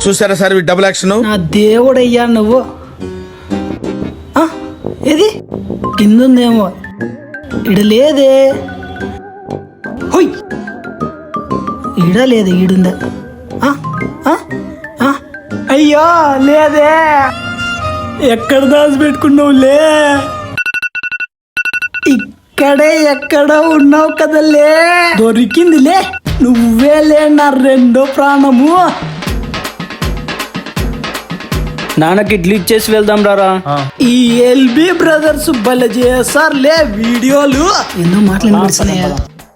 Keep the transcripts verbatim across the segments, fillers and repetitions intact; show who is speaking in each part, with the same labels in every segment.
Speaker 1: చూసారా sir double action?
Speaker 2: నా దేవుడయ్యా నువ్వు. ఏది కిందుందేమో, ఇడ లేదే. హోయ్, ఈడ లేదు, ఈడుందా? అయ్యో లేదే, ఎక్కడ దాచి పెట్టుకున్నావులే? ఇక్కడే ఎక్కడో ఉన్నావు కదలే. దొరికిందిలే, నువ్వేలే నా రెండో ప్రాణము.
Speaker 3: నాన్నకి ఇడ్లీ ఇచ్చేసి వెళ్దాం రారా.
Speaker 2: ఈ ఎల్బి బ్రదర్స్ భలే చేస్తారులే వీడియోలు. ఎన్నో మాట్లాడుతున్నాయా?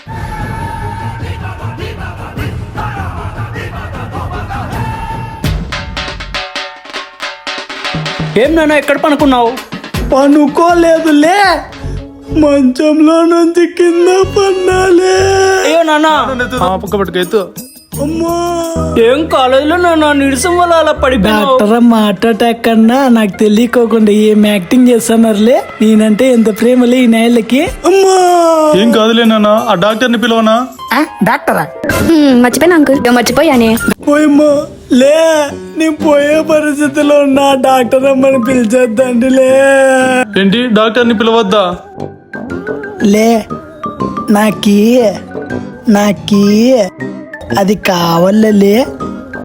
Speaker 3: ఏం నాన్న ఎక్కడ పనుకున్నావు?
Speaker 2: పనుకోలేదులే, మంచంలో నుంచి కింద పన్నాలే.
Speaker 3: అయ్యో నాన్న,
Speaker 1: పట్టుకెత్తు.
Speaker 2: అమ్మా,
Speaker 3: ఏం కాలేజీలో నాన్న నిరసం వల్ల అలా పడిపోయావు?
Speaker 2: డాక్టర్ మాట అటాక్ కన్నా నాకు తెలియకోకుండా ఏం యాక్టింగ్ చేస్తున్నారులే. నేనంటే ఎంత ప్రేమలే ఈ నాయలకి. అమ్మా,
Speaker 4: ఏం కాదులే నాన్న, ఆ డాక్టర్ ని పిలవనా?
Speaker 2: డాక్టరా?
Speaker 5: మర్చిపోయినా అంకుల్, మర్చిపోయానే.
Speaker 2: పోయమ్మా లే, నేను పోయే పరిస్థితిలో ఉన్నా. డాక్టర్ అమ్మని పిలిచేద్దండిలే.
Speaker 4: ఏంటి డాక్టర్ ని పిలవద్దా?
Speaker 2: లే, నాకి నాకి అది కావాలలే.